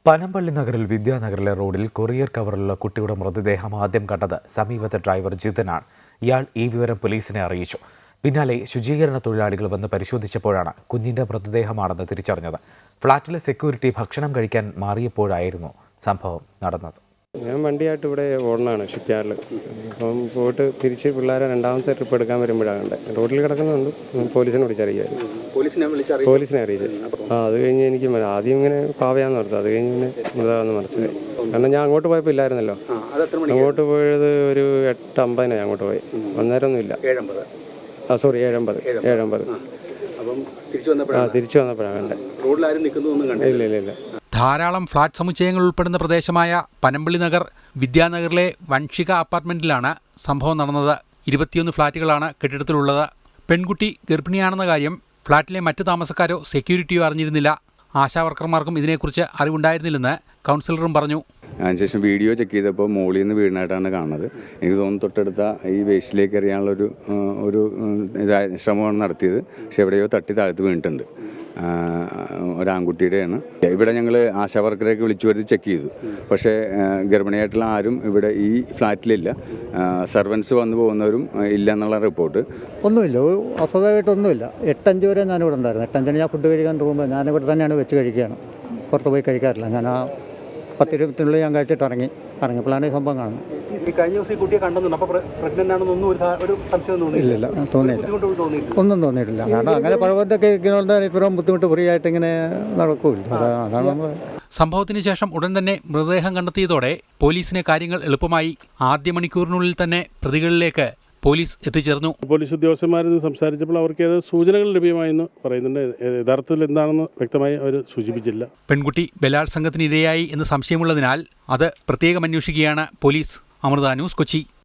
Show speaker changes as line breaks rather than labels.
പനമ്പള്ളി നഗറിൽ വിദ്യാനഗറിലെ റോഡിൽ കൊറിയർ കവറിലുള്ള കുട്ടിയുടെ മൃതദേഹം ആദ്യം കണ്ടത് സമീപത്തെ ഡ്രൈവർ ജിതനാണ്. ഇയാൾ ഈ വിവരം പോലീസിനെ അറിയിച്ചു. പിന്നാലെ ശുചീകരണ തൊഴിലാളികൾ വന്ന് പരിശോധിച്ചപ്പോഴാണ് കുഞ്ഞിന്റെ മൃതദേഹമാണെന്ന് തിരിച്ചറിഞ്ഞത്. ഫ്ളാറ്റിലെ സെക്യൂരിറ്റി ഭക്ഷണം കഴിക്കാൻ മാറിയപ്പോഴായിരുന്നു സംഭവം നടന്നത്.
ഞാൻ വണ്ടിയായിട്ട് ഇവിടെ ഓടണമാണ് ഷിപ്പ്യാർഡിൽ. അപ്പം പോയിട്ട് തിരിച്ച് പിള്ളേരെ രണ്ടാമത്തെ ട്രിപ്പ് എടുക്കാൻ വരുമ്പോഴാണ് കണ്ടത്. റോഡിൽ കിടക്കുന്നുണ്ട്. പോലീസിനെ വിളിച്ചറിയായിരുന്നു. പോലീസിനെ അറിയിച്ചു. അത് കഴിഞ്ഞ് എനിക്ക് ആദ്യം ഇങ്ങനെ പാവയാന്ന് ഓർത്തു. അത് കഴിഞ്ഞ് പിന്നെ മൃതമാണെന്ന് മനസ്സിലായി. കാരണം ഞാൻ അങ്ങോട്ട് പോയപ്പോൾ ഇല്ലായിരുന്നല്ലോ. അങ്ങോട്ട് പോയത് ഒരു 8:50 അങ്ങോട്ട് പോയി. അന്നേരമൊന്നുമില്ല. 7:50. തിരിച്ചു വന്നപ്പോഴാണ് കണ്ടത്. ഇല്ല.
ധാരാളം ഫ്ളാറ്റ് സമുച്ചയങ്ങൾ ഉൾപ്പെടുന്ന പ്രദേശമായ പനമ്പള്ളി നഗർ വിദ്യാനഗറിലെ വൻഷിക അപ്പാർട്ട്മെന്റിലാണ് സംഭവം നടന്നത്. 21 ഫ്ളാറ്റുകളാണ് കെട്ടിടത്തിലുള്ളത്. പെൺകുട്ടി ഗർഭിണിയാണെന്ന കാര്യം ഫ്ളാറ്റിലെ മറ്റ് താമസക്കാരോ സെക്യൂരിറ്റിയോ അറിഞ്ഞിരുന്നില്ല. ആശാവർക്കർമാർക്കും ഇതിനെക്കുറിച്ച് അറിവുണ്ടായിരുന്നില്ലെന്ന് കൗൺസിലറും പറഞ്ഞു.
അതിനുശേഷം വീഡിയോ ചെക്ക് ചെയ്തപ്പോൾ മോളിൽ നിന്ന് വീടിനായിട്ടാണ് കാണുന്നത്. എനിക്ക് തോന്നുന്നു തൊട്ടടുത്ത ഈ വേസ്റ്റിലേക്ക് എറിയാനുള്ളൊരു ശ്രമമാണ് നടത്തിയത്. പക്ഷെ എവിടെയോ തട്ടി താഴ്ത്ത് വീണിട്ടുണ്ട്. ഒരാൺകുട്ടിയുടെയാണ്. ഇവിടെ ഞങ്ങൾ ആശാവർക്കറെയൊക്കെ വിളിച്ചു വരുത്തി ചെക്ക് ചെയ്തു. പക്ഷേ ഗർഭിണിയായിട്ടുള്ള ആരും ഇവിടെ ഈ ഫ്ലാറ്റിലില്ല. സർവൻസ് വന്നു പോകുന്നവരും ഇല്ല എന്നുള്ള റിപ്പോർട്ട്.
ഒന്നുമില്ല, അസ്വസ്ഥമായിട്ടൊന്നുമില്ല. 8:05 വരെ ഞാനിവിടെ ഉണ്ടായിരുന്നു. 8:05 ഞാൻ ഫുഡ് കഴിക്കാൻ പോകുമ്പോൾ ഞാനിവിടെ തന്നെയാണ് വെച്ച് കഴിക്കുകയാണ്. പുറത്ത് പോയി കഴിക്കാറില്ല. ഞാൻ ആ 10-20 മിനിറ്റിനുള്ളിൽ ഞാൻ കഴിച്ചിട്ട് ഇറങ്ങിയപ്പോഴാണ് ഈ സംഭവം കാണുന്നത്. ഇല്ല, ഒന്നും തോന്നിയിട്ടില്ല. കാരണം അങ്ങനെ പഴവത്തൊക്കെ ഇത്രയും ബുദ്ധിമുട്ട് ഫ്രീ ആയിട്ട് ഇങ്ങനെ നടക്കൂല. അതാണ് നമ്മൾ.
സംഭവത്തിന് ശേഷം ഉടൻ തന്നെ മൃതദേഹം കണ്ടെത്തിയതോടെ പോലീസിന് കാര്യങ്ങൾ എളുപ്പമായി. ആദ്യ മണിക്കൂറിനുള്ളിൽ തന്നെ പ്രതികളിലേക്ക് പോലീസ് എത്തിച്ചേർന്നു.
പോലീസ് ഉദ്യോഗസ്ഥന്മാരിൽ സംസാരിച്ചപ്പോൾ അവർക്ക് ഏത് സൂചനകൾ ലഭ്യമായെന്ന് പറയുന്നുണ്ട്. യഥാർത്ഥത്തിൽ എന്താണെന്ന് വ്യക്തമായി അവർ സൂചിപ്പിച്ചില്ല.
പെൺകുട്ടി ബലാത്സംഗത്തിന് ഇരയായി എന്ന് സംശയമുള്ളതിനാൽ അത് പ്രത്യേകം അന്വേഷിക്കുകയാണ് പോലീസ്. അമൃത ന്യൂസ്, കൊച്ചി.